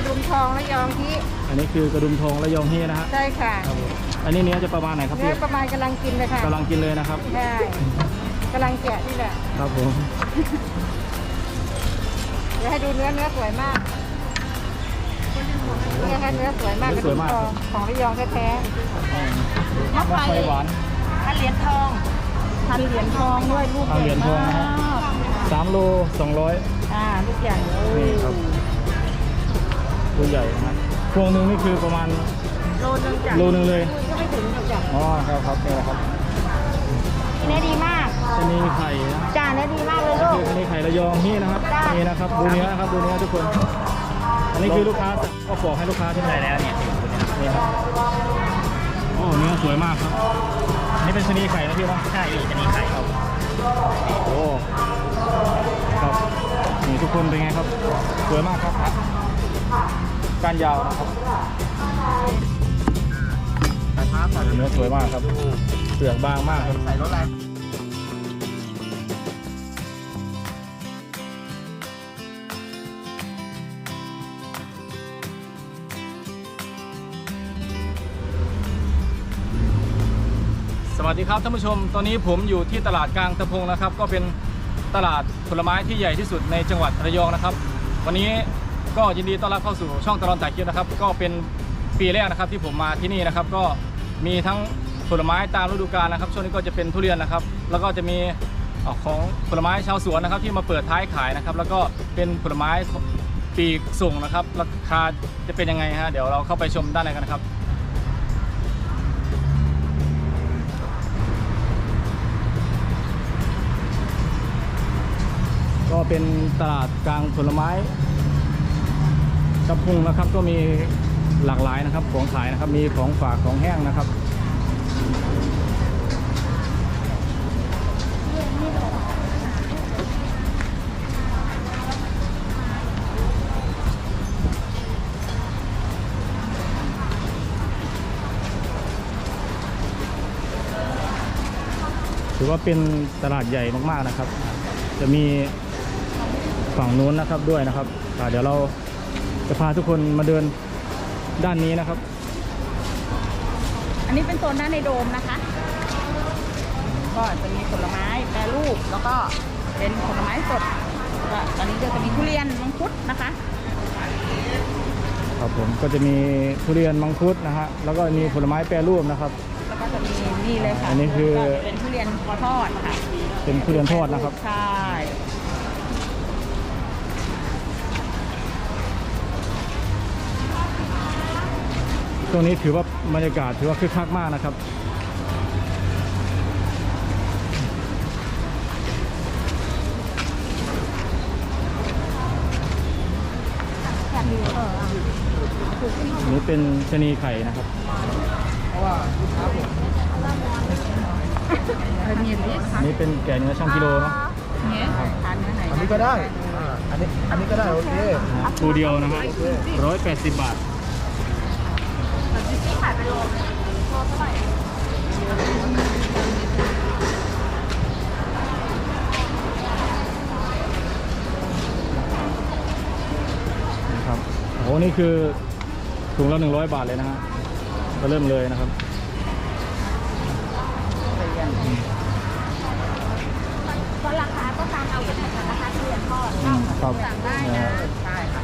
ดุมทองระยองที่อันนี้คือกระดุมทองระยองเฮนะฮะใช่ค่ะครับผมอันนี้เนื้อจะประมาณไหนครับพี่เนื้อประมาณกำลังกินเลยค่ะกำลังกินเลยนะครับใช่กำลังแกะนี่แหละครับผมเดี๋ยวให้ดูเนื้อสวยมากเนี่ยค่ะเนื้อสวยมากกระดุมทองของระยองแท้ๆมะไฟหวานพันเหรียญทองด้วยลูกใหญ่มาก 3 โล 200 ลูกใหญ่นี่ครับลูกใหญ่นะฮะพวงนึงนี่คือประมาณโลนึงเลยก็ไม่ถึงจ้ะอ๋อครับนี่แหละครับเนื้อดีมากอันนี้ไข่นะจ้าเนื้อดีมากเลยลูกอันนี้ไข่ระยองนี่นะครับนี่นะครับดูเนื้อนะครับดูเนื้อทุกคนอันนี้คือลูกค้าก็บอกให้ลูกค้าที่ไหนแล้วเนี่ยนี่ครับโอ้เนื้อสวยมากครับนี่เป็นชนีไข่นะพี่ว่าใช่ชนีไข่ครับโอ้ครับนี่ทุกคนเป็นไงครับสวยมากครับก้านยาวนะครับเนื้อสวยมากครับเปลือกบางมากครับใส่รถอะไรสวัสดีครับท่านผู้ชมตอนนี้ผมอยู่ที่ตลาดกลางตะพงนะครับก็เป็นตลาดผลไม้ที่ใหญ่ที่สุดในจังหวัดระยองนะครับวันนี้ก็ยินดีต้อนรับเข้าสู่ช่องตลอดถ่ายคลิปนะครับก็เป็นปีแรกนะครับที่ผมมาที่นี่นะครับก็มีทั้งผลไม้ตามฤดูกาลนะครับช่วงนี้ก็จะเป็นทุเรียนนะครับแล้วก็จะมีของผลไม้ชาวสวนนะครับที่มาเปิดท้ายขายนะครับแล้วก็เป็นผลไม้ปีกส่งนะครับราคาจะเป็นยังไงฮะเดี๋ยวเราเข้าไปชมด้านในกันนะครับก็เป็นตลาดกลางผลไม้ตะพุงนะครับก็มีหลากหลายนะครับของขายนะครับมีของฝากของแห้งนะครับถือว่าเป็นตลาดใหญ่มากๆนะครับจะมีฝั่งนู้นนะครับด้วยนะครับเดี๋ยวเราจะพาทุกคนมาเดินด้านนี้นะครับอันนี้เป็นโซนด้านในโดมนะคะก็จะมีผลไม้แปรรูปแล้วก็เป็นผลไม้สดตอนนี้จะมีทุเรียนมังคุดนะคะครับผมก็จะมีทุเรียนมังคุดนะฮะแล้วก็มีผลไม้แปรรูปนะครับแล้วก็จะมีนี่เลยค่ะอันนี้คือเป็นทุเรียนทอดค่ะเป็นทุเรียนทอดนะครับใช่ตรงนี้ถือว่าบรรยากาศถือว่าคึกคักมากนะครับนี่เป็นชะนีไข่นะครับนี่เป็นแกะเนื้อช่างกิโลเนาะอันนี้ก็ได้อันนี้ก็ได้โอเคตัวเดียวนะครับ180 บาทขายไปโลเท่าไหร่นะครับโอ้นี่คือถุงละ100 บาทเลยนะฮะก็เริ่มเลยนะครับก็ราคาก็ตามเอาอยู่นะคะราคาทุเรียนทอดสั่งได้นะใช่ค่ะ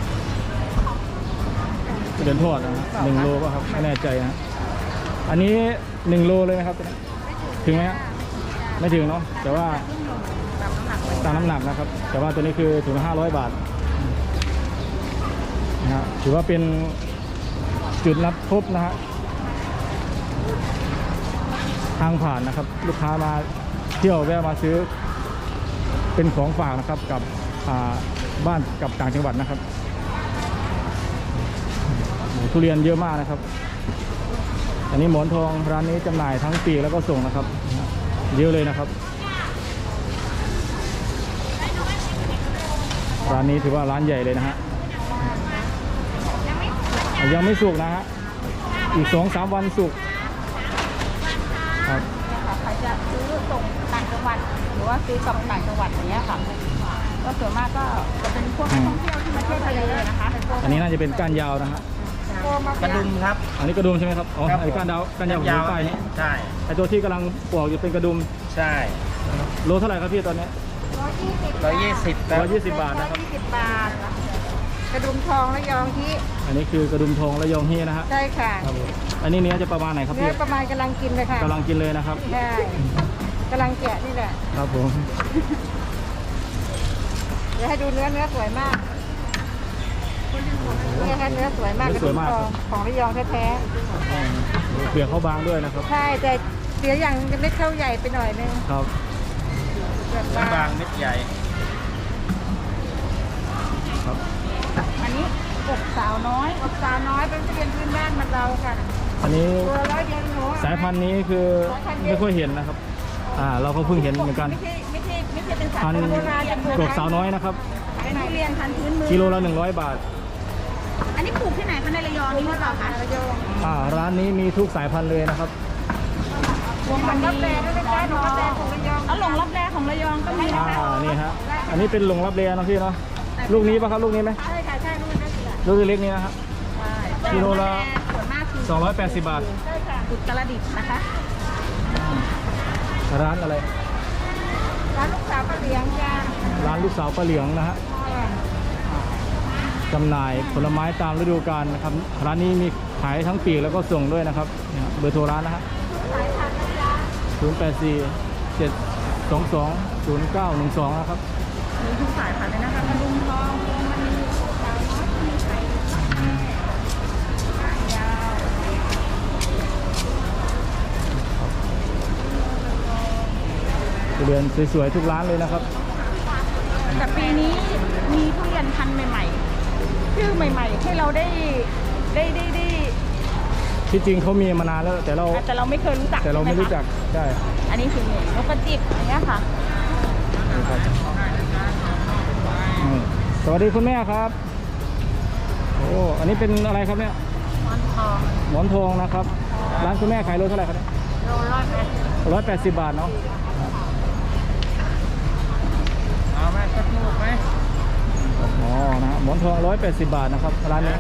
ทุเรียนทอดนะ1 โลป่ะครับไม่แน่ใจนะอันนี้1 โลเลยนะครับถึงไหมฮะไม่ถึงเนาะแต่ว่าตามน้ำหนักนะครับแต่ว่าตัวนี้คือถุงละ500 บาทนะถือว่าเป็นจุดนัดพบนะฮะทางผ่านนะครับลูกค้ามาเที่ยวแวะมาซื้อเป็นของฝากนะครับกับบ้านกับต่างจังหวัดนะครับทุเรียนเยอะมากนะครับอันนี้หมอนทองร้านนี้จำหน่ายทั้งปีกแล้วก็ส่งนะครับเยอะเลยนะครับร้านนี้ถือว่าร้านใหญ่เลยนะฮะยังไม่สุกนะฮะอีก 2-3 วันสุกครับใครจะซื้อส่งต่างจังหวัดหรือว่าซื้อกลับต่างจังหวัดอย่างเงี้ยค่ะก็ส่วนมากก็จะเป็นพวกนักท่องเที่ยวที่มาเที่ยวทะเลนะคะอันนี้น่าจะเป็นก้านยาวนะฮะกระดุมครับอันนี้กระดุมใช่ไหมครับอ๋อครับไอ้ก้านยาวผมดูป้ายนี้ใช่ไอ้ตัวที่กำลังปอกอยู่เป็นกระดุมใช่โลเท่าไหร่ครับพี่ตอนนี้ 120ครับ 120 บาทนะครับ 120 บาท กระดุมทองและยองที่อันนี้คือกระดุมทองและยองเฮียนะฮะใช่ค่ะครับผมอันนี้เนื้อจะประมาณไหนครับเนื้พี่อประมาณกำลังกินเลยค่ะกำลังกินเลยนะครับใช่กำลังแกะนี่แหละครับผมเดี๋ยวให้ดูเนื้อสวยมากนี่ค่ะเนื้อสวยมากกระดุมทองของระยองแท้เปลือกเขาบางด้วยนะครับๆใช่แต่เสียอย่างเล็กเท่าใหญ่ไปหน่อยนึงครับเปลือกบาบางงเม็ดใหญ่ครับอันนี้อกสาวน้อยอกสาวน้อยเป็นทุเรียนพื้นบ้านมันเราค่ะอันนี้ตัว100 เดียวหนูสายพันธุ์นี้คือไม่ค่อยเห็นนะครับเราก็เพิ่งเห็นเหมือนกันไม่ใช่เป็นสายพันพันธุ์โบราณกบสาวน้อยนะครับเป็นทุเรียนพันธุ์พื้นเมืองกิโลละ100 บาทอันนี้ปลูกที่ไหนคะในระยองนี่หรือเปล่าคะระยองร้านนี้มีทุกสายพันธุ์เลยนะครับวงมันรับแรงด้วยนะคะหนูรับแรงของระยองแล้วหลงรับแรงของระยองก็มีนะคะนี่ฮะอันนี้เป็นหลงรับเรียนะพี่เนาะลูกนี้ปะครับลูกนี้ไหมใช่ค่ะใช่ลูกนั้นแหละลูกเล็กนี้นะครับ กิโลละส่วนมากคือ 280 บาทใช่ค่ะอุตรดิตถ์นะคะร้านอะไรร้านลูกสาวป้าเลี้ยงจ้าร้านลูกสาวป้าเหลืองนะฮะจำหน่ายผลไม้ตามฤดูกาลนะครับร้านนี้มีขายทั้งปีกแล้วก็ส่งด้วยนะครับเนี่ยเบอร์โทรร้านนะฮะ084-722-0912นะครับมีทุกสายพันธุ์เลยนะคะกระดุมทองพวงมณีสาวน้อยมีไข่ยาวทุเรียนสวยๆทุกร้านเลยนะครับแต่ปีนี้มีทุเรียนพันธุ์ใหม่ๆชื่อใหม่ๆให้เราได้ที่จริงเขามีมานานแล้วแต่เราแต่เราไม่เคยรู้จักแต่เราไม่รู้จักใช่ไหมคะใช่อันนี้คือนกกระจิบอย่างเงี้ยค่ะสวัสดีคุณแม่ครับโอ้อันนี้เป็นอะไรครับเนี่ยมันทองหมอนทองนะครับ ร้านคุณแม่ขายโลเท่าไหร่ครับเนี่ยโล180 180 บาทเนาะเอาไหมสักลูกไหมอ๋อนะฮะหมอนทอง180 บาทนะครับร้านนี้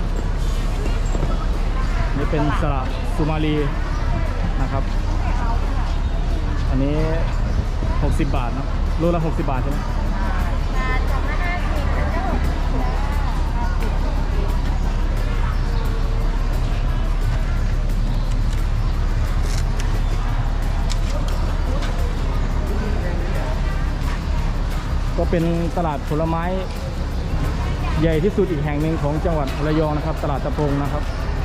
นี่เป็นสระสุมาลีนะครับ อันนี้60 บาทเนอะโลละ60 บาทใช่ไหมก็เป็นตลาดผลไม้ใหญ่ที่สุดอีกแห่งหนึ่งของจังหวัดระยองนะครับตลาดตะพงนะครับ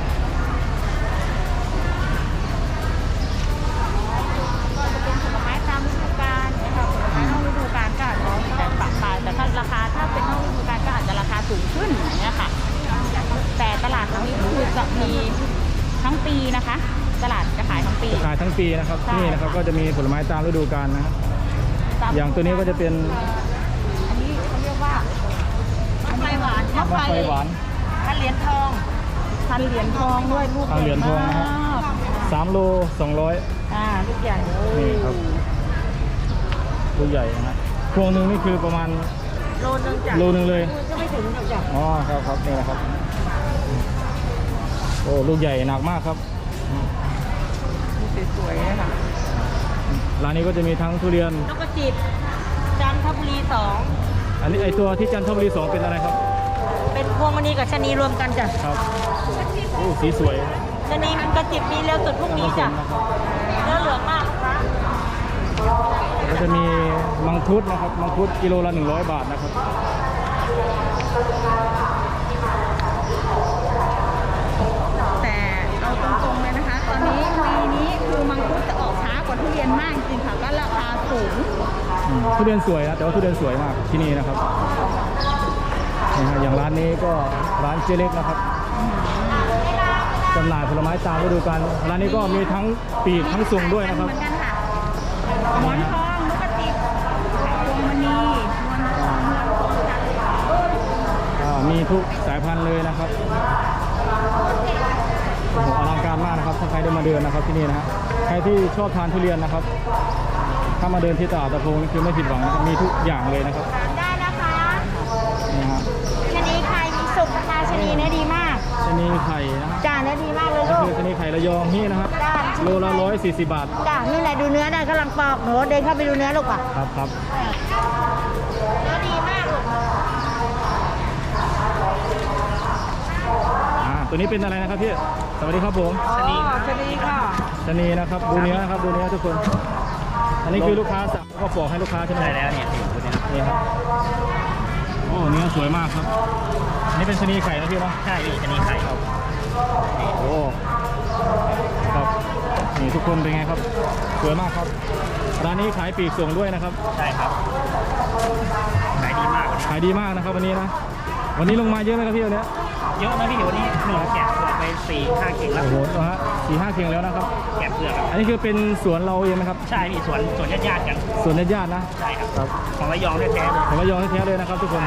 ก็จะเป็นผลไม้ตามฤดูกาลนะคะผลไม้นอกฤดูกาลก็อาจจะมีการปรับปรายแต่ถ้าราคาถ้าเป็นนอกฤดูกาลก็อาจจะราคาสูงขึ้นอย่างเงี้ยค่ะแต่ตลาดครั้งนี้คือจะมีทั้งปีนะคะ ตลาดจะขายทั้งปีขายทั้งปีนะครับใช่นี่นะครับก็จะมีผลไม้ตามฤดูกาลนะฮะ อย่างตัวนี้ก็จะเป็นอันนี้เขาเรียกว่ามะไฟหวานมะไฟหวานพันเหรียญทองพันเหรียญทองด้วยลูกพันเหรียญทองนะฮะมาก 3 โล 200 ลูกใหญ่นี่ครับตัวใหญ่นะฮะพวงหนึ่งนี่คือประมาณโลนึงจ้ะโลนึงเลยก็ไม่ถึงจ้ะอ๋อครับครับนี่นะครับโอ้ลูกใหญ่หนักมากครับสวยๆนะคะร้านนี้ก็จะมีทั้งทุเรียนนกกระจิบจันทบุรีอันนี้ไอตัวที่จันทบุรี2เป็นอะไรครับ 2เป็นพวงมณีกับชะนีรวมกันจ้ะครับโอ้สีสวยชะนีกระจิบมีเร็วสุดพรุ่งนี้จ้ะนะครับเนื้อเหลืองมากค่ะก็จะมีมังคุดนะครับมังคุดกิโลละ100 บาทนะครับแต่เอาตรงๆเลยนะคะ ตอนนี้ปีนี้คือมังคุดจะออกช้ากว่าทุเรียนมากจริงๆค่ะก็ราคาสูงทุเรียนสวยนะแต่ว่าทุเรียนสวยมากที่นี่นะครับนี่ฮะอย่างร้านนี้ก็ร้านเจเล็กนะครับจำหน่ายผลไม้ตามฤดูกาลร้านนี้ก็มีทั้งปีกทั้งส่งด้วยนะครับเหมือนกันค่ะหมอนทองนกกระจิบพวงมณีนวลทองเมืองทองจันทร์มีทุกสายพันธุ์เลยนะครับโอ้โหอลังการมากนะครับถ้าใครได้มาเดินนะครับที่นี่นะฮะใครที่ชอบทานทุเรียนนะครับถ้ามาเดินที่ตลาดตะพงนี่คือไม่ผิดหวังนะครับมีทุกอย่างเลยนะครับถามได้นะคะนี่ฮะชะนีไข่มีสุกนะคะชะนีเนื้อดีมากชะนีไข่นะจ้าเนื้อดีมากเลยก็ลูกคือชะนีไข่ระยองนี่นะครับจ้าโลละ140 บาทจ้านี่แหละดูเนื้อได้กำลังปอกหนูเดินเข้าไปดูเนื้อลูกอ่ะครับครับเนื้อดีมากลูกตัวนี้เป็นอะไรนะครับพี่สวัสดีครับผมชนีค่ะชะนีนะครับดูเนื้อนะครับดูเนื้อทุกคน อันนี้คือลูกค้าสั่งก็ปอกให้ลูกค้าใช่ไหมใช่แล้วเนี่ยตัวนี้นี่ครับโอ้เนื้อสวยมากครับอันนี้เป็นชะนีไข่นะพี่เนาะใช่พี่ชะนีไข่ครับโอ้ครับนี่ทุกคนเป็นไงครับสวยมากครับร้านนี้ขายปลีกส่งด้วยนะครับใช่ครับขายดีมากวันนี้ขายดีมากนะครับวันนี้นะวันนี้ลงมาเยอะไหมครับพี่วันนี้เยอะนะพี่วันนี้หนูแกะเปลือกไป4-5 เข่งแล้วโอ้โหนะฮะ4-5 เข่งแล้วนะครับแกะเปลือกครับอันนี้คือเป็นสวนเราเองไหมครับใช่พี่สวนญาติๆกันสวนญาติๆนะใช่ครับครับของระยองแท้ๆเลยผมระยองแท้ๆเลยนะครับทุกคน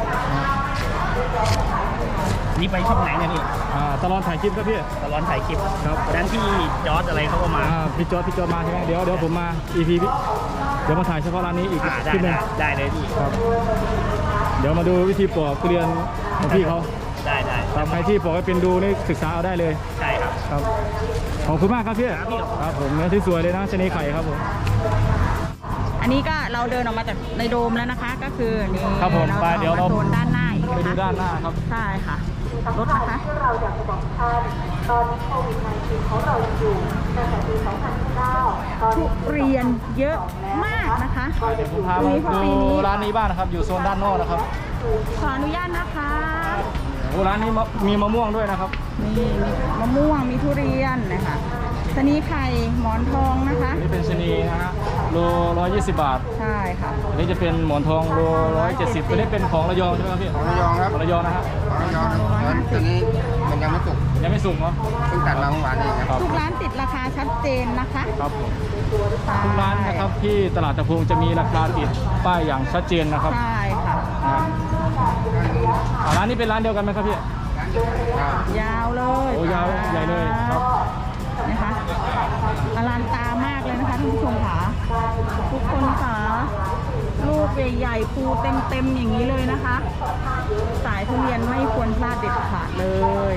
นี่ไปช่องไหนเนี่ยพี่ตลอดถ่ายคลิปครับพี่ตลอดถ่ายคลิปครับวันนั้นที่จอร์ดอะไรเขาก็มาพี่จอร์ดมาใช่ไหมเดี๋ยวผมมา EP พี่เดี๋ยวมาถ่ายเฉพาะร้านนี้อีกได้คลิปหนึงได้เลยพี่ครับเดี๋ยวมาดูวิธีปอกทุเรียนของพี่เขาได้ครับใครที่ปอกให้เป็นดูนี่ศึกษาเอาได้เลยใช่ครับครับขอบคุณมากครับพี่ครับพี่ครับผมเนื้อที่สวยเลยนะชะนีไข่ครับผมอันนี้ก็เราเดินออกมาจากในโดมแล้วนะคะ ก็คือนี่ครับผมไปเราเดี๋ยวเรามาโซนด้านหน้าอีกไปนะดูคะด้านหน้าครับใช่ค่ะรถนะคะเราอยากจะบอกท่านตอนนี้โควิด -19 ของเรายังอยู่ตั้งแต่ปี 2009 ตอนทุนี้เรียนเยอะมากนะคะเดี๋ยวผมพามาดูร้านนี้บ้างนะครับ อยู่โซนด้านนอกนะครับขออนุญาตนะคะโอ้ร้านนี้มีมะม่วงด้วยนะครับนี่มีมะม่วงมีทุเรียนนะคะชะนีไข่หมอนทองนะคะนี่เป็นชะนีนะฮะโล120 บาทใช่ค่ะอันนี้จะเป็นหมอนทองโล170ตัวนี้เป็นของระยองใช่ไหมครับพี่ของระยองครับของระยองนะฮะของระยองครับตอนนี้มันยังไม่สุกยังไม่สุกเนาะเพิ่งตัดมาเมื่อวานเองครับครับทุกร้านติดราคาชัดเจนนะคะครับผมทุกร้านนะครับที่ตลาดตะพงจะมีราคาติดป้ายอย่างชัดเจนนะครับใช่ค่ะร้านนี้เป็นร้านเดียวกันไหมครับพี่ยาวเลยโอ้ยาวใหญ่เลยครับนะคะอลังการมากเลยนะคะท่านผู้ชมค่ะทุกคนค่ะลูกใหญ่ๆภูเต็มๆอย่างนี้เลยนะคะ สายทุเรียนไม่ควรพลาดเด็ดขาดเลย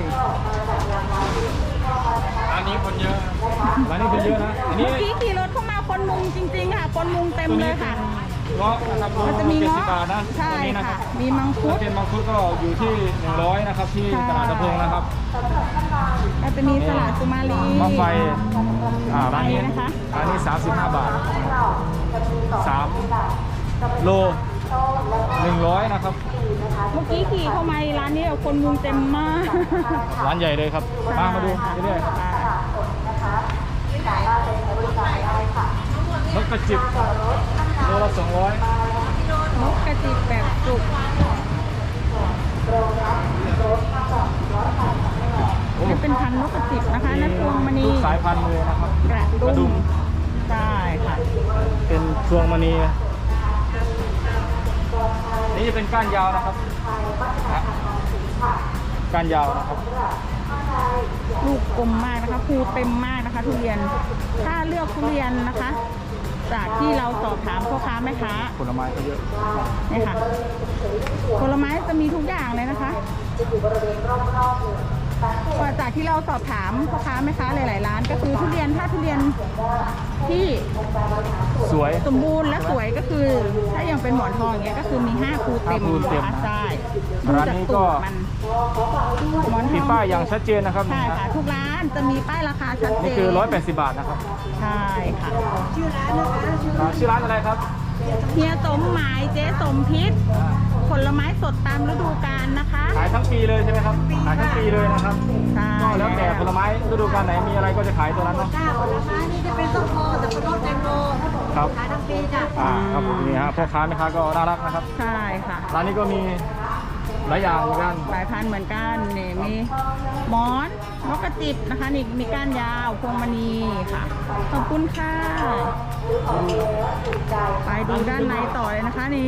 ร้านนี้คนเยอะ ร้านนี้คนเยอะนะ อันนี้เมื่อกี้ขี่รถเข้ามาคนมุงจริงๆค่ะ คนมุงเต็มเลยค่ะเงาะนะครับมันจะมี 70 เงาะบาทนะใช่ตัวนี้นะคค่ะรับมีมังคุถ้าดเป็นมังคุดก็อยู่ที่100นะครับที่ตลาดตะพงนะครับแล้วจะมีสลัดสุมาลีมะไฟร้านนี้นะคะร้านนี้35 บาท3โล100นะครับเมื่อกี้ขี่เข้ามาร้านนี้คนมุงเต็มมากร้านใหญ่เลยครับมาดูเรื่อยๆนกกระจิบโลละ200 นกกระจิบแบบจุกนี่เป็นพันธุ์นกกระจิบนะคะนั่นพวงมณีทุกสายพันธุ์เลยนะครับกระกระดุดุมมใช่ค่ะเป็นพวงมณีนี่จะเป็นก้านยาวนะครับก้านยาวนะครับลูกกลมมากนะคะภูเต็มมากนะคะ ทุเรียนถ้าเลือกทุเรียนนะคะ จากที่เราสอบถามพ่อค้าแม่ค้าผลไม้ก็เยอะเนี่ยค่ะผลไม้จะมีทุกอย่างเลยนะคะว่าจากที่เราสอบถามพ่อค้าแม่ค้าหลายๆร้าน ก็คือทุเรียนถ้าทุเรียนที่สวยสมบูรณ์และสวยก็คือ ถ้าอย่างเป็นหมอนทองอย่างเงี้ยก็คือมี5ภูเต็ม 5ภูเต็มนะคะใช่ร้านนี้ก็ดูจากตูดมันหมอนทมีองป้ายอย่างชัดเจนนะครับใช่ค่ะทุกร้านจะมีป้ายราคาชัดเจนนี่คือ180 บาทนะครับใช่ค่ะชื่อร้านอะไรครับเฮียสมหมายเจ๊สมพิษผลไม้สดตามฤดูกาลนะคะขายทั้งปีเลยใช่ไหมครับขายทั้งปีเลยนะครับใช่ก็แล้วแต่ผลไม้ฤดูกาลไหนมีอะไรก็จะขายตัวนั้นเนาะจ้าผลไม้นี่จะเป็นส้มโอสับปะรดแตงโมครับขายทั้งปีจ้ะครับผมนี่ฮะพ่อค้าแม่ค้าก็น่ารักนะครับใช่ค่ะร้านนี้ก็มีหลายอย่างเหมือนกันหลายพันธุ์เหมือนกันนี่มีหมอนนกกระจิบนะคะนี่มีก้านยาวพวงมณีค่ะขอบคุณค่ะไปดูด้านในต่อเลยนะคะนี่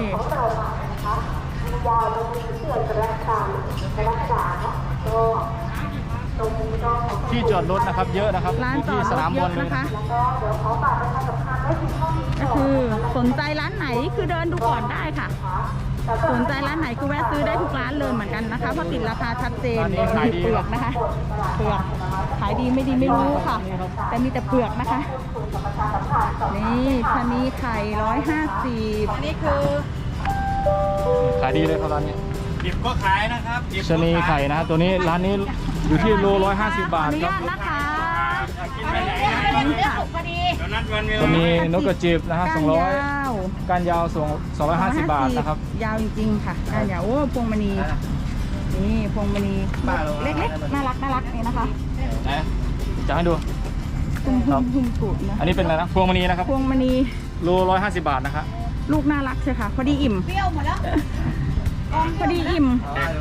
ยาวลงมีเสื่อมรักษาเนาะก็ตรงนี้ก็ขอที่จอดรถนะครับเยอะนะครับร้านอยู่จอที่ดสรนาถมเยบออะลเลยนะคะก็เดี๋ยวขอฝากประชาสัมพันธ์ไว้ที่ห้องนี้ก็คือสนใจร้านไหนคือเดินดูก่อนได้ค่ะสนใจร้านไหนก็แวะซื้อได้ทุกร้านเลยเหมือนกันนะคะเพราะติดราคาชัดเจนร้านนี้ขายดีเปลือกนะคะเปลือกขายดีไม่ดีไม่รู้ค่ะ แต่มีแต่เปลือกนะคะ นี่ชะนีไข่150อันนี้คือขายดีเลยครับร้านนี้ดิบก็ขายนะครับดิบชะนีไข่นะตัวนี้ร้านนี้อยู่ที่โล150 บาทอนุครับญาตนะคะกินไปไหนนะนี่ค่ะตอนนั้นวันเวลาจะมีนกกระจิบนะฮะก้านยาว 200ก้านยาว250 บาทนะครับยาวจริงๆค่ะก้านยาวโอ้พวงมณีนี่พวงมณีเล็กๆน่ารักนี่นะคะไหนจะให้ดูทุ่มกุดนะอันนี้เป็นอะไรนะพวงมณีนะครับพวงมณีโล150 บาทนะครับลูกน่ารักใช่ค่ะพอดีอิ่มเปรี้ยวหมดแล้วพอดีอิ่ม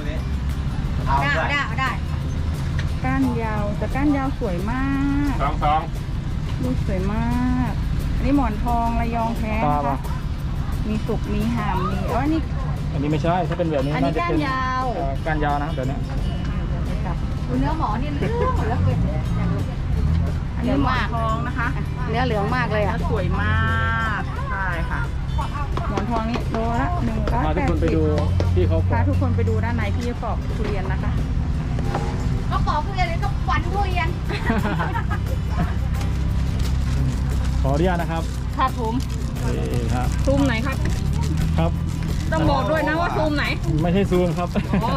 ได้ก้านยาวแต่ก้านยาวสวยมากสองลูกสวยมากอันนี้หมอนทองระยองแท้ตานะปะคะมีสุกมีหามมีอันนี้อันนี้ไม่ใช่ถ้าเป็นแบบนี้อันนี้น่าจะเป็นก้านยาวก้านยาวนะแบบเนี้ยเนื้อหมอนี่เหลืองหมดแล้วเลยอันนี้หมอนทองนะคะเนื้อเหลืองมากเลยแล้อ่ะวสวยมากใช่ค่ะหมอนทองนี้โลละ180 พาทุกคนไปดูที่เขาปลูพาก ทุกคนไปดูด้านในที่ปอกทุเรียนนะคะก็ปอกทุเรียนเลยก็ฝันทุเรียนขออนุญาตนะครับครับผมนี่ครับซูมไหนครับครับต้องบอกด้วยนะว่าซูมไหนไม่ใช่ซูมครับ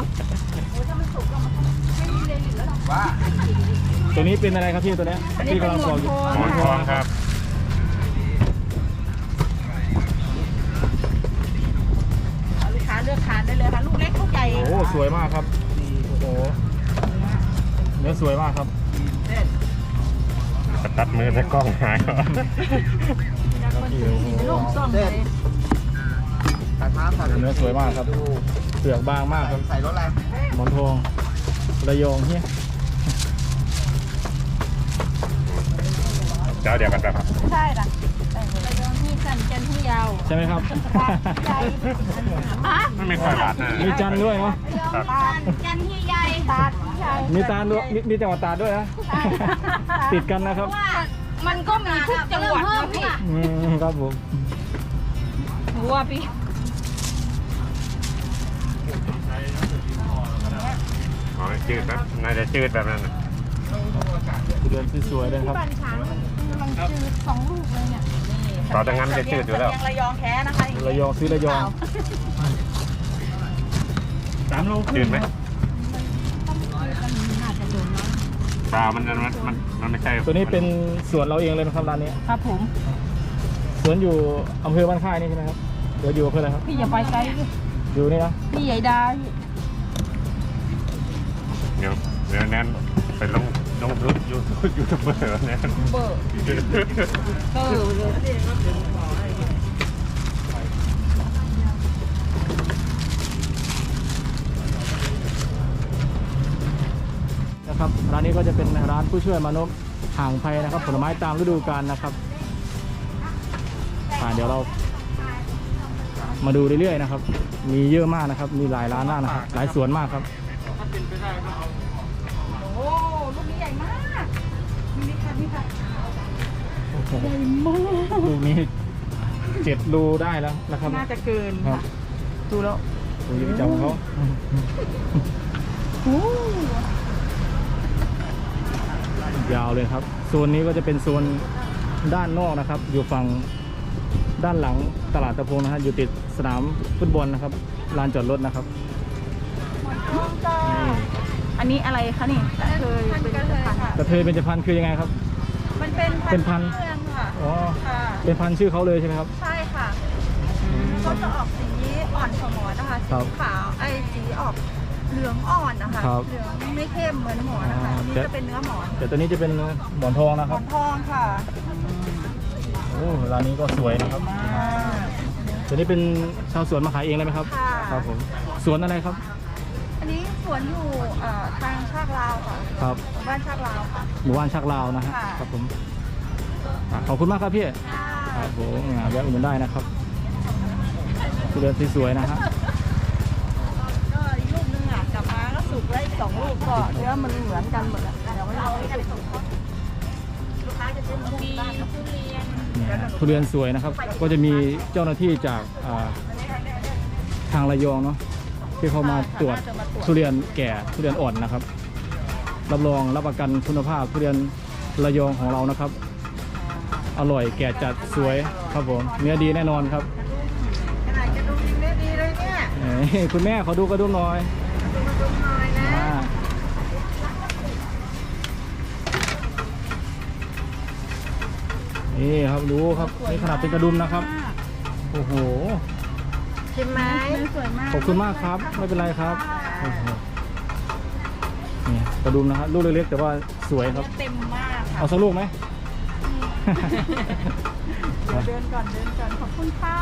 ว่าตัวนี้เป็นอะไรครับพี่ตัวเนี้ยอันนี้ที่เป็นกำลังหมปออน กอยู่ทองหมอนทองครับลูกค้าเลือกทานได้เลยค่ะลูกเล็กลูกใหญ่โอ้สวยมากครับโอ้โหเนื้อสวยมากครับตัดมือใส่กล้องหายก่อนลูกส้มเลยตัดครับเนื้อสวยมากครับเปลือกบางมากครับใส่รถอะไรหมอนทองระยองเฮียเจ้าเดียวกันครับใช่ค่ะระยองที่สันจันที่ยาวใช่ไหมครับไม่มีค่อยหวานนะมีจันทร์ด้วยเนาะจันที่ใหญ่ตาดที่ใหญ่มีตาลด้วยมีจังหวัดตราดด้วยนะติดกันนะครับมันก็มีทุกจังหวัดนะพี่ครับผมหัวพี่อ๋อจืดนะน่าจะจืดแบบนั้นนะเดือนสวยๆเลยครับต่อจากนั้นจะจืดอยู่แล้วระยองแท้นะคะระยองซื้อระยอง 3 โลจืดไหมเปล่ามันไม่ใช่ตัวนี้เป็นสวนเราเองเลยนะครับร้านนี้ครับผมสวนอยู่อำเภอบ้านค่ายนี่ใช่ไหมครับเดี๋ยวอยู่อำเภออะไรครับพี่อย่าไปไกลอยู่นี่นะพี่ใหญ่ดาเดี๋ยวแน่นไปลงยูทูบเบอร์แน่นเบอร์เลยนะครับร้านนี้ก็จะเป็นร้านผู้ช่วยมนุษย์ห่างไพนะครับผลไม้ตามฤดูกาลนะครับเดี๋ยวเรามาดูเรื่อยๆนะครับ มีเยอะมากนะครับ มีหลายร้านมากนะครับหลายสวนมากครับโอ้ลูกนี้ใหญ่มากนี่ค่ะนี่ค่ะโอ้โหลูกนี้7 รูได้แล้วนะครับน่าจะเกินครับดูแล้วดูยิ่งจำเขาโอ้ยาวเลยครับโซนนี้ก็จะเป็นโซนด้านนอกนะครับ อยู่ฝั่งด้านหลังตลาดตะพงนะฮะอยู่ติดสนามฟุตบอลนะครับลานจอดรถนะครับอันนี้อะไรคะนี่เคยเป็นพันธุ์กระเทยเบญจพรรณคือยังไงครับมันเป็นเป็นพันธุ์เมืองค่ะอ๋อค่ะเป็นพันธุ์ชื่อเขาเลยใช่ไหมครับใช่ค่ะเขาจะออกสีอ่อนสมอนนะคะครัสีบขาวสีออกเหลืองอ่อนนะคะครับเหลืองไม่เข้มเหมือนหมอนนะคะอ๋อนี่แต่จะเป็นเนื้อหมอนแต่ตัวนี้จะเป็นหมอนทองนะหคมรัอบ นทองค่ะโอ้ร้านนี้ก็สวยนะครับมากตัวนี้เป็นชาวสวนมาขายเองเลยไหมครับค่ะครับผมสวนอะไรครับอันนี้สวนอยู่ทางชากลาวค่ะครับหมู่บ้านชากลาวค่ะหมู่บ้านชักลาวนะฮะค่ะครับผมขอบคุณมากครับพี่ค่ะครับผมแวะอุดหนุนได้นะครับทุเรียนสวยๆนะฮะก็อีกลูกนึงกลับมาก็สุกแล้วอีก2 ลูกก็เนื้อมันเหมือนกันหมดแล้วเดี๋ยวไม่เอาไปส่งเขาลูกค้าจะซื้อมาที่บ้านกับทุเรียนเนี่ยทุเรียนสวยนะครับ ก็จะมีเจ้าหน้าที่จากทางระยองเนาะที่เขามาตรวจทุเรียนแก่ทุเรียนอ่อนนะครับรับรองรับประกันคุณภาพทุเรียนระยองของเรานะครับอร่อยแก่จัดสวยครับผมเนื้อดีแน่นอนครับขนาดกระดุมยังได้ดีเลยเนี่ยคุณแม่ขอดูกระดุมหน่อยดูกระดุมหน่อยนะนี่ครับรู้ครับนี่ขนาดเป็นกระดุมนะครับโอ้โหชิมไหมสวยมากขอบคุณมากครับไม่เป็นไรครับโอ้โหนี่กระดุมนะครับลูกเล็กๆแต่ว่าสวยครับเต็มมากค่ะเอาสักลูกไหมเดินก่อนขอบคุณค่ะ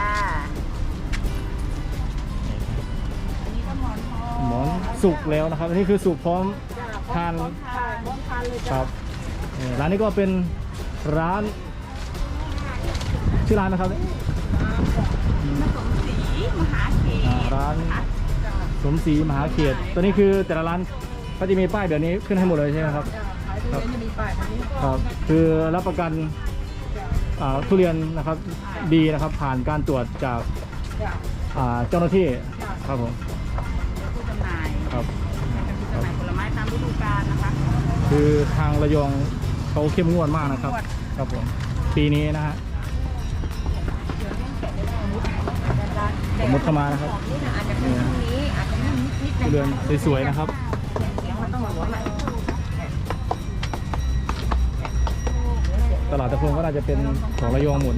อันนี้ก็หมอนทองหมอนสุกแล้วนะครับอันนี้คือสุกพร้อมทานพร้อมทานเลยคจ้ะรับร้านนี้ก็เป็นร้านชื่อร้านนะครับสมศรีมหาเขตร้านสมศรีมหาเขตตัวนี้คือแต่ละร้านก็จะมีป้ายแบบนี้ขึ้นให้หมดเลยใช่ไหมครับครับครับคือรับประกันทุเรียนนะครับดีนะครับผ่านการตรวจจากเจ้าหน้าที่ครับผมผู้จำหน่ายครับผู้จำหน่ายผลไม้ตามฤดูกาลนะคะคือทางระยองเขาเข้มงวดมากนะครับครับผมปีนี้นะฮะผมมุดเข้ามานะครับนี่อาจจะเป็นช่วงนี้อาจจะไม่นิดทุเรียนสวยๆนะครับมันต้องหัวใหม่ตลาดตะพงก็น่าจะเป็นของระยองหมด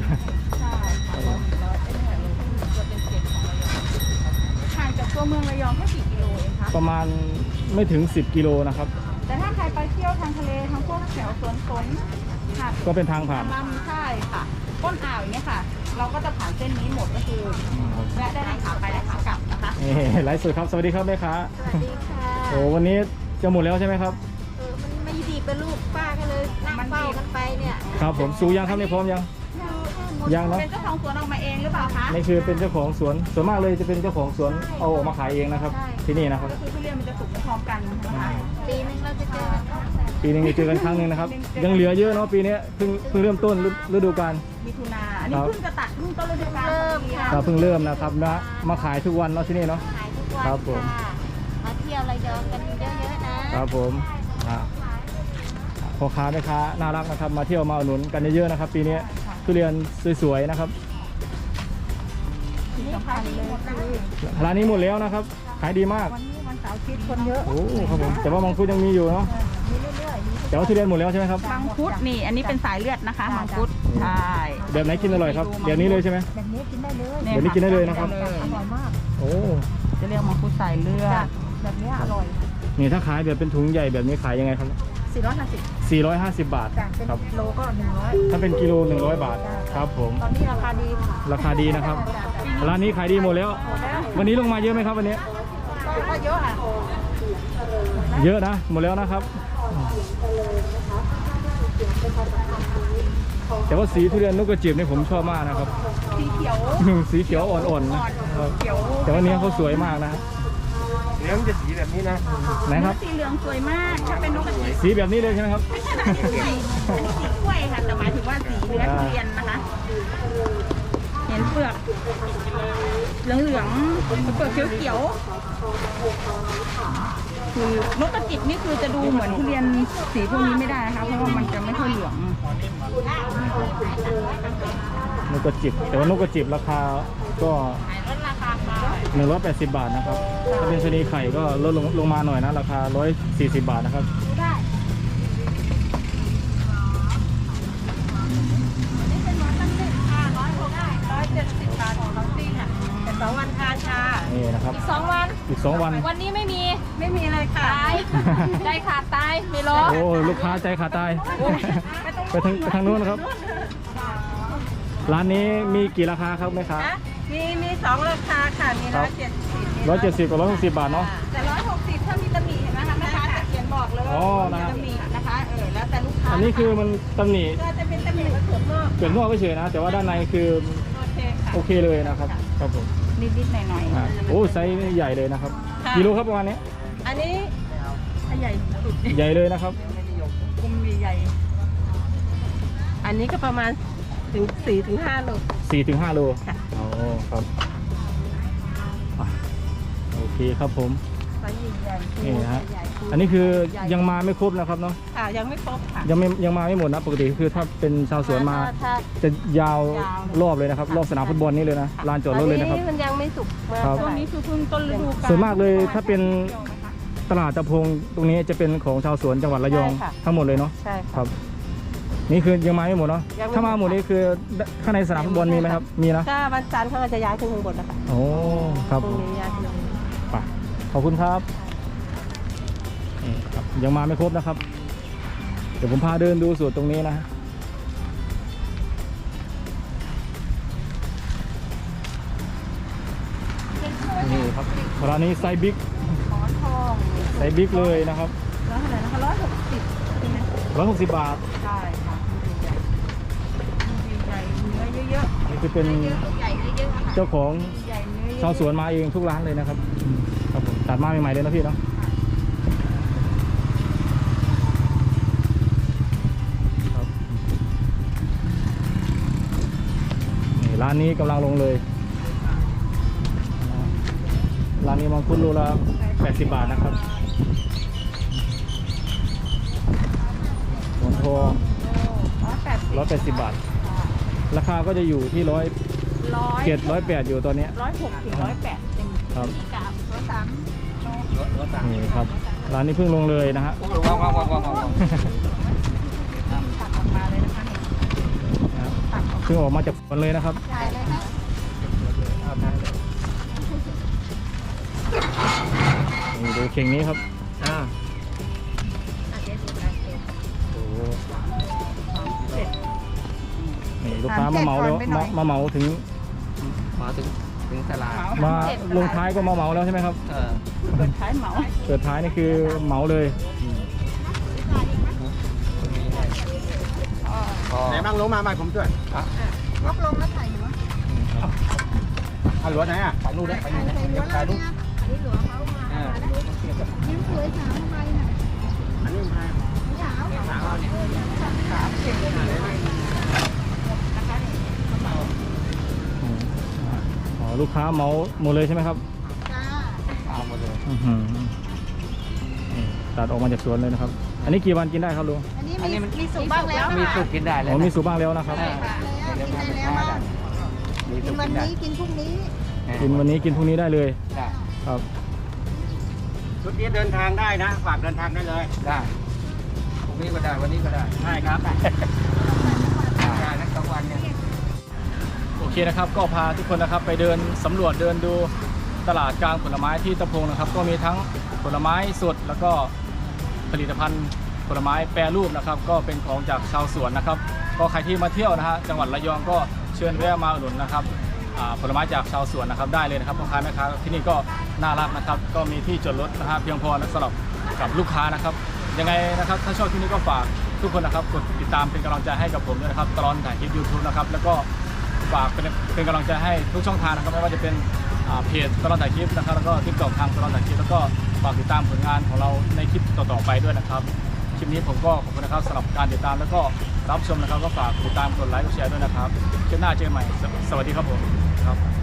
ห่างจากตัวเมืองระยองแค่กี่กิโลเองคะประมาณไม่ถึง10กิโลนะครับแต่ถ้าใครไปเที่ยวทางทะเลทางพวกแถวสวนสนหาดก็เป็นทางผ่านลำใช่ค่ะต้นอ่าวอย่างเงี้ยค่ะ เราก็จะผ่านเส้นนี้หมดก็คือแวะได้ทั้งขาไปและขากลับนะคะนี่ไลฟ์สดครับสวัสดีครับแม่ค้าสวัสดีค่ะโอ้วันนี้จะหมดแล้วใช่ไหมครับมันไม่ดีเป็นลูกป้าก็เลยนั่งเฝ้ากันไปเนี่ยครับผมสูยังครับนี่พร้อมยังยังเนาะเป็นเจ้าของสวนออกมาเองหรือเปล่าคะนี่คือเป็นเจ้าของสวนส่วนมากเลยจะเป็นเจ้าของสวนเอาออกมาขายเองนะครับ ที่นี่นะครับก็คือทุเรียนมันจะสุกพร้อมกันนะคะปีนึงเราจะเจอกันครั้งปีหนึงจะเจอกันครั้งหนึ่งนะครับ ยังเหลือเยอะเนาะปีนี้เพิ่งเริ่มต้นฤดูกาลมิถุนาอันนี้เพิ่งจะตัดเพิ่งต้นฤดูกาลเราเพิ่งเริ่มนะครับนะมาขายทุกวันเนาะที่นี่เนาะขายทุกวันครับผมค่ะมาเที่ยวระยองกันเยอะๆนะครับผมพ่อค้าแม่ค้าน่ารักนะครับมาเที่ยวมาอุดหนุนกันเยอะๆนะครับ ปีนี้ทุเรียนสวยๆนะครับที่สำคัญเลยคือร้านนี้หมดแล้วนะครับ ขายดีมากวันนี้วันเสาร์อาทิตย์คนเยอะโอ้ครับผมแต่ว่ามังคุดยังมีอยู่เนาะแต่ว่าทุเรียนหมดแล้วใช่ไหมครับมังคุดนี่อันนี้เป็นสายเลือดนะคะมังคุดใช่แบบไหนกินอร่อยครับเดี๋ยวนี้เลยใช่ไหมแบบนี้กินได้เลยเดี๋ยวนี้กินได้เลยนะครับได้เลยอร่อยมากโอ้จะเรียกมังคุดสายเลือดแบบนี้อร่อยนี่ถ้าขายแบบเป็นถุงใหญ่แบบนี้ขายยังไงครับ 450 450 บาทจ้ะเป็นครับโลก็100 ถ้าเป็นกิโล100 บาทครับผมตอนนี้ราคาดีราคาดีนะครับร้านนี้ขายดีหมดแล้ว วันนี้ลงมาเยอะไหมครับวันนี้ก็เยอะอ่ะเยอะนะหมดแล้วนะครับ แต่ว่าสีทุเรียนนกกระจิบนี่ผมชอบมากนะครับสีเขียวสีเขียวอ่อนๆนะครับเขียวแต่ว่าเนี้ยเขาสวยมากนะเลี้ยงจะสีแบบนี้นะไหนครับสีเหลืองสวยมากถ้าเป็นนกกระจิบสีแบบนี้เลยใช่ไหมครับไม่ใช่นะอันนี้สีกล้วยค่ะแต่หมายถึงว่าสีเนื้อทุเรียนนะคะ เห็นเปลือกเหลืองๆเปลือกเขียวๆคือนกกระจิบนี่คือจะดูเหมือนทุเรียนสีพวกนี้ไม่ได้นะคะเพราะว่ามันจะไม่ค่อยเหลืองนกกระจิบแต่ว่านกกระจิบราคาก็ลดราคาค่ะ 180 บาทนะครับถ้าเป็นชะนีไข่ก็ลดลงมาหน่อยนะราคา140 บาทนะครับได้นี่เป็นหมอนตั้งแต่ค่ะ170 บาทของน้องตี้ค่ะแต่2 วันทานค่ะนี่นะครับ 2 วันอีก 2 วันวันนี้ไม่มีเลยค่ะตายใจขาดตายไม่รอโอ้ลูกค้าใจขาดตายไปทางนู้นนะครับ ร้านนี้มีกี่ราคาครับแม่ค้ามี2ราคาค่ะมีครับ 170 กับ 160 บาทเนาะแต่160ถ้ามีตำหนิเห็นไหมคะแม่ค้าจะเขียนบอกเลยอ๋อว่านะมีตำหนินะคะแล้วแต่ลูกค้าอันนี้คือมันตำหนิก็จะเป็นตำหนิเผือกนอกเปลือกนอกเฉยๆนะ แต่ว่าด้านในคือโอเคค่ะโอเคเลยนะครับครับผมนิดๆหน่อยอ่าโอ้ไซส์นี่ใหญ่เลยนะครับกิโลครับประมาณนี้ๆอันนี้ถ้าใหญ่สุดใหญ่เลยนะครับกลมใหญ่อันนี้ก็ประมาณถึง4 ถึง 5 โล 4 ถึง 5 โลอ๋อครับโอเคครับผมไซส์ใหญ่ๆนี่นะฮะใหญ่ๆอันนี้คือยังมาไม่ครบนะครับเนาะค่ะยังไม่ครบค่ะยังมาไม่หมดนะปกติคือถ้าเป็นชาวสวนมาถ้าจะยาวยาวรอบเลยนะครับรอบสนามฟุตบอลนี่เลยนะลานจอดรถเลยนะครับอัมันยังไม่สุกมากครับเท่าช่วงไหร่นี้คือเพิ่งต้นฤดูกาลส่วนมากเลยถ้าเป็นตลาดตะพงตรงนี้จะเป็นของชาวสวนจังหวัดระยองทั้งหมดเลยเนาะใช่คค่ะรับ นี่คือยังมาไม่หมดเนาะยังไม่หมดถ้ามาหมดนี่คือข้างในสนามฟุตบอลมีไหมครับมีนะถ้าวันจันทร์เขาก็จะย้ายขึ้นข้างบนนะคะโอ้ครับพรุ่งนี้ย้ายขึ้นข้างบนไปขอบคุณครับนี่ครับยังมาไม่ครบนะครับ เดี๋ยวผมพาเดินดูสวนตรงนี้นะฮะนี่ครับร้านนี้ไซส์บิ๊กหมอนทองไซส์บิ๊กเลยนะครับแล้วเท่าไหร่นะคะ160ใช่ไหม 160 บาทได้ค่ะใหญ่ๆเนื้อเยอะนี่คือเป็นๆเยอะใหญ่เยอะๆค่ะเจ้าของใหญ่เนื้อเยอะชาวสวนมาเองทุกร้านเลยนะครับครับผมตัดมาใหม่ๆเลยนะพี่เนาะครับนี่ร้านนี้กำลังลงเลยร้านนี้มังคุดโลละ80 บาทนะครับหมอนทอง 180 บาท ราคาก็จะอยู่ที่100 700 108อยู่ตอนนี้ 106 ถึง 108เป็นครับกาบ103 นี่ครับร้านนี้เพิ่งลงเลยนะฮะตัดออกมาเลยนะคะนี่ตัดออกเพิ่งออกมาจากสวนเลยนะครับใช่เลยนะนี่ดูเข่งนี้ครับอาจจะสุดนะเสร็จโอ้โหเสร็จนี่ลูกค้ามาเหมาแล้วมาเหมาถึงมาถึงตลาดมาลงท้ายก็มาเหมาแล้วใช่ไหมครับเปิดท้ายเหมาเปิดท้ายนี่คือเหมาเลยไหนบ้างลงมาผมช่วยลบลงแล้วถ่ายอยู่วะเอาหลวไหนอ่ะไปนู่นได้ไปนู่นได้เดี๋ยวไปนู่นอันนี้หลวงเขามายิ้มสวยสาวทำไมน่ะอันนี้มาสาวสาวเนี่ยสาวเก่งเลยนะคะนี่อ๋อลูกค้าเหมาหมดเลยใช่ไหมครับจ้าเอาหมดเลยอื้อหือนี่ตัดออกมาจากสวนเลยนะครับ อันนี้กี่วันกินได้ครับลุงอันนี้มีสุกบ้างแล้วมีสุกกินได้เลยอ๋อมีสูบบ้างแล้วนะครับเดี๋ยวทำเป็นข้าวได้มีกิสุนกวักินนได้นี้กินพรุ่งนี้กินวันนี้กินพรุ่งนี้ได้เลยได้ครับชุดนี้เดินทางได้นะฝากเดินทางได้เลยได้พรุ่งนี้ก็ได้วันนี้ก็ได้ใช่ครับได้นะกลางวันเนี่ยโอเคนะครับ ก็พาทุกคนนะครับไปเดินสำรวจเดินดูตลาดกลางผลไม้ที่ตะพงนะครับ ก็มีทั้งผลไม้สดแล้วก็ผลิตภัณฑ์ผลไม้แปรรูปนะครับ ก็เป็นของจากชาวสวนนะครับ ก็ใครที่มาเที่ยวนะฮะจังหวัดระยองก็เชิญแวะมาอุดหนุนนะครับผลไม้จากชาวสวนนะครับได้เลยนะครับพ่อค้าแม่ค้าที่นี่ก็น่ารักนะครับ ก็มีที่จอดรถนะฮะเพียงพอสำหรับกับลูกค้านะครับยังไงนะครับถ้าชอบที่นี่ก็ฝากทุกคนนะครับกดติดตามเป็นกำลังใจให้กับผมด้วยนะครับตลอดถ่ายคลิป YouTube นะครับแล้วก็ฝากเป็นกำลังใจให้ทุกช่องทางนะครับไม่ว่าจะเป็นเพจตลอดถ่ายคลิปนะครับแล้วก็ทิกตอกทางตลอดถ่ายคลิปแล้วก็ฝากติดตามผลงานของเราในคลิปต่อๆไปด้วยนะครับคลิปนี้ผมก็ขอบคุณนะครับสำหรับการติดตามแล้วก็รับชมนะครับก็ฝากติดตามกดไลค์กดแชร์ด้วยนะครับคลิปหน้าเจอกันใหม่สวัสดีครับผมครับ